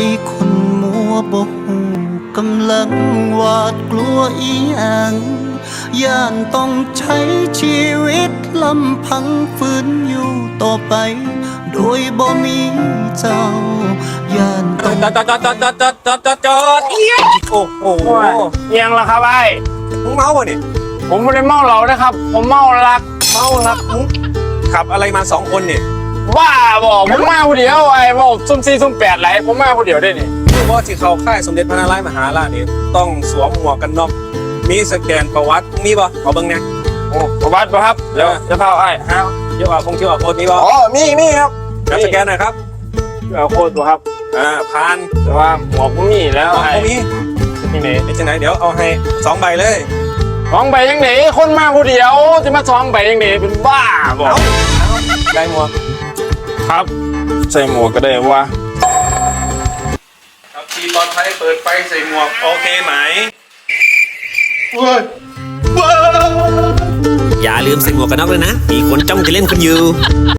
คนมัวบ่ฮู้กำลังหวาดกลัวอีหยังย่านต้องใช้ชีวิตลำพังฝืนอยู่ต่อไปโดยบ่มีเจ้าย่านต้องจอดโอ้โหยังละครับไอ้มึงเมาป่ะนี่ผมไม่ได้เมาเหล้านะครับผมเมารักมึงขับอะไรมา2 คนเนี่ยบ้าบอกผมมาคนเดียวไอ้บอกซุ่ม4ซุ่ม8ไหลผมมาคนเดียวได้นี่คือว่าที่เขาค่ายสมเด็จพระนารายณ์มหาราชนี่ต้องสวมหมวกกันน็อกมีสแกนประวัติมีป่ะเอาเบิ่งเนี่ยโอ้ประวัติป่ะครับเดี๋ยวจะพาไอ้ฮะเกี่ยวกับโค้ดมีป่ะอ๋อมีครับการสแกนหน่อยครับโค้ดป่ะครับผ่านแต่ว่าหมวกผมมีแล้วไอ้มีที่ไหนที่ไหนเดี๋ยวเอาให้2 ใบเลย 2 ใบยังไหนคนมาคนเดียวจะมา2 ใบยังไหนเป็นบ้าบอกได้หมวกครับใส่หมวกก็ได้วะครับทีมบอลไทยเปิดไฟใส่หมวกโอเคไหมอย่าลืมใส่หมวกกันน็อกเลยนะมีคนจ้องจะเล่นคุณอยู่